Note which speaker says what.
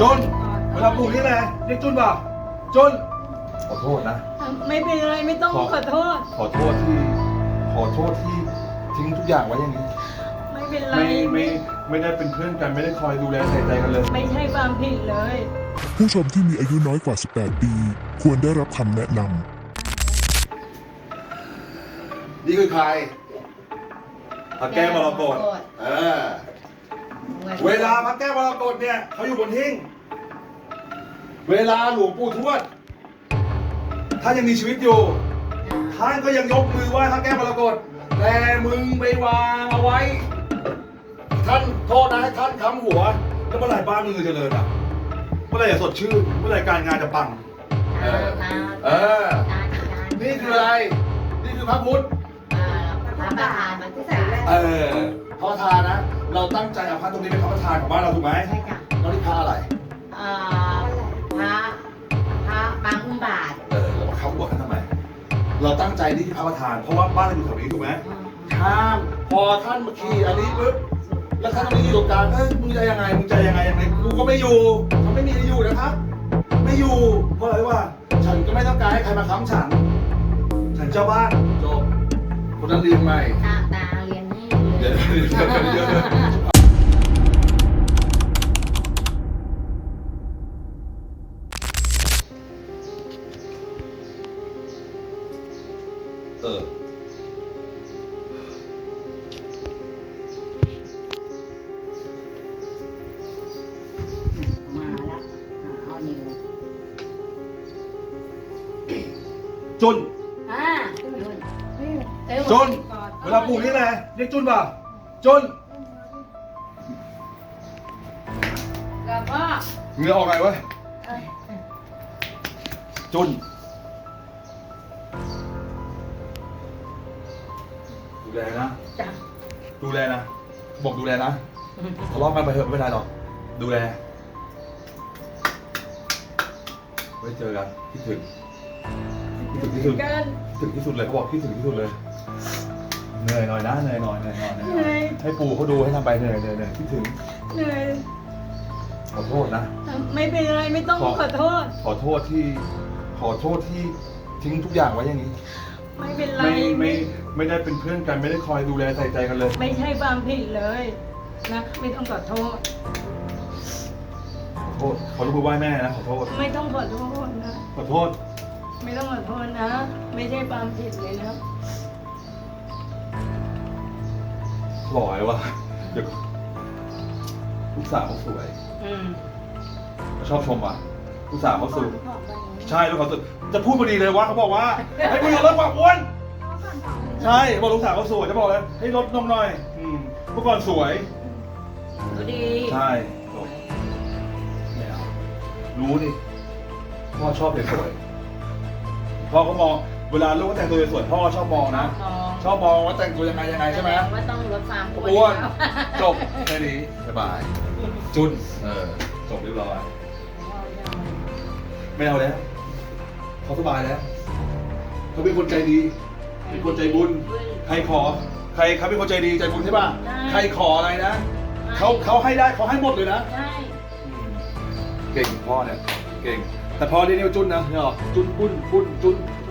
Speaker 1: จุนเวลาปู่นี่แหละเรียกจุนป่ะจุนขอโทษนะ
Speaker 2: ไม่เป็นไรไม่ต้องขอโทษ
Speaker 1: ขอโทษที่ทิ้งทุกอย่างไว้อย่างนี้
Speaker 2: ไม่เป็นไร
Speaker 1: ไม่ได้เป็นเพื่อนกันไม่ได้คอยดูแลใส่ใจกันเลย
Speaker 2: ไม่ใช่ความผิดเลย
Speaker 3: ผู้ชมที่มีอายุน้อยกว่า 18 ปี ควรได้รับคำแนะนำ
Speaker 1: นี่คือใครพระแก้วมรกตเวลาพระแก้วมรกตเนี่ยเขาอยู่บนหิ้งเวลาหลวงปู่ทวดท่านยังมีชีวิตอยู่ท่านก็ยังยกมือไหว้พระแก้วมรกตแต่มึงไปวางเอาไว้ท่านโทษนะให้ท่านค้ำหัวแล้วเมื่อไหร่บ้านมึงจะเจริญอ่ะเมื่อไหร่จะสดชื่นเมื่อไหร่การงานจะปังนี่คืออะไรนี่คือพระพุทธ
Speaker 4: พระประธานมันที่ใส่แว่น
Speaker 1: พระประธานนะเราตั้งใจเอาพระตรงนี้เป็นพระประธานของบ้านเราถูกไหม
Speaker 4: ใช่จ้ะ
Speaker 1: แล้วนี่พระอะไร
Speaker 4: พระบางอุ้มบาท
Speaker 1: เรามาเข้าหัวกันทำไมเราตั้งใจนี่ที่พระประธานเพราะว่าบ้านเราอยู่แถวนี้ถูกไหมข้ามพอท่านมาขี่อันนี้ปุ๊บแล้วท่านมาอยู่ตรงกลางมึงจะยังไงกูก็ไม่อยู่เขาไม่มีให้อยู่นะครับไม่อยู่เพราะอะไรวะฉันก็ไม่ต้องการให้ใครมาค้ำฉันเจ้าบ้านจบคนนั้นเรียนใหม่
Speaker 4: ตาเรียนให้
Speaker 1: เดี๋ยว
Speaker 4: มาแล้วเอานิ้ว
Speaker 1: จุน
Speaker 4: จุน
Speaker 1: เวลาปู่นี่แหละเรียกจุนป่ะจุน
Speaker 4: แล้วก็
Speaker 1: เหงื่อออกไงวะจุนดูแลนะ
Speaker 4: จ้ะ
Speaker 1: ดูแลนะบอกดูแลนะทะเลาะกันไปเถอะไม่เป็นไรหรอกดูแลไว้เจอกันคิดถึงที่สุด
Speaker 2: กัน
Speaker 1: คิดถึงที่สุดเลยเขาบอกคิดถึงที่สุดเลยเหนื่อยหน่อยนะเหนื่อยหน่อยให้ปู่เขาดูให้ทำไปเหนื่อยคิดถึง
Speaker 2: เหนื่อย
Speaker 1: ขอโทษนะ
Speaker 2: ไม่เป็นไรไม่ต้องขอโทษ
Speaker 1: ขอโทษที่ทิ้งทุกอย่างไว้อย่างนี้
Speaker 2: ไม่เป็นไร
Speaker 1: ไม่ได้เป็นเพื่อนกันไม่ได้คอยดูแลใส่ใจกันเลย
Speaker 2: ไม่ใช่ความผิดเลยนะไม่ต้องขอโทษ
Speaker 1: ขอโทษขอรู้ไหว้แม่นะขอโทษ
Speaker 2: ไม่ต้องขอโทษนะ
Speaker 1: ขอโทษ
Speaker 2: ไม่ต้องขอโทษนะ ไม่ใช่ความผิดเลยนะ
Speaker 1: หล่อเลยว่ะเดี๋ยวลูกสาวเขาสวยชอบชมว่ะลูกสาวเขาสวยใช่ลูกเขาสวยจะพูดพอดีเลยว่าเขาบอกว่าให้มึงลดความอ้วนใช่บอกลูกสาวเขาสวยจะบอกเลยให้ลดนมหน่อยเมื่อก่อนสวย
Speaker 2: ก็ดี
Speaker 1: ใช่จบไม่เอารู้ดิพ่อชอบเด็กสวยพ่อเขามองเวลาลูกเขาแต่งตัวสวยพ่อชอบมองนะชอบมองว่าแต่งตัวยังไงใช่ไหม
Speaker 4: ว่าต้องลดความ
Speaker 1: อ้วนจบแค่นี้สบายจุนจบเรียบร้อยไม่เอาแล้วเขาสบายแล้วเขาเป็นคนใจดีเป็นคนใจบุญใครเขาเป็นคนใจดีใจบุญใช่ป่ะใครขออะไรนะเขาให้ได้เขาให้หมดเลยนะ
Speaker 4: ใช่
Speaker 1: เก่งพ่อเนี่ยเก่งแต่พ่อเรียกว่าจุนนะเนี่ยหรอจุนปุ้นจุน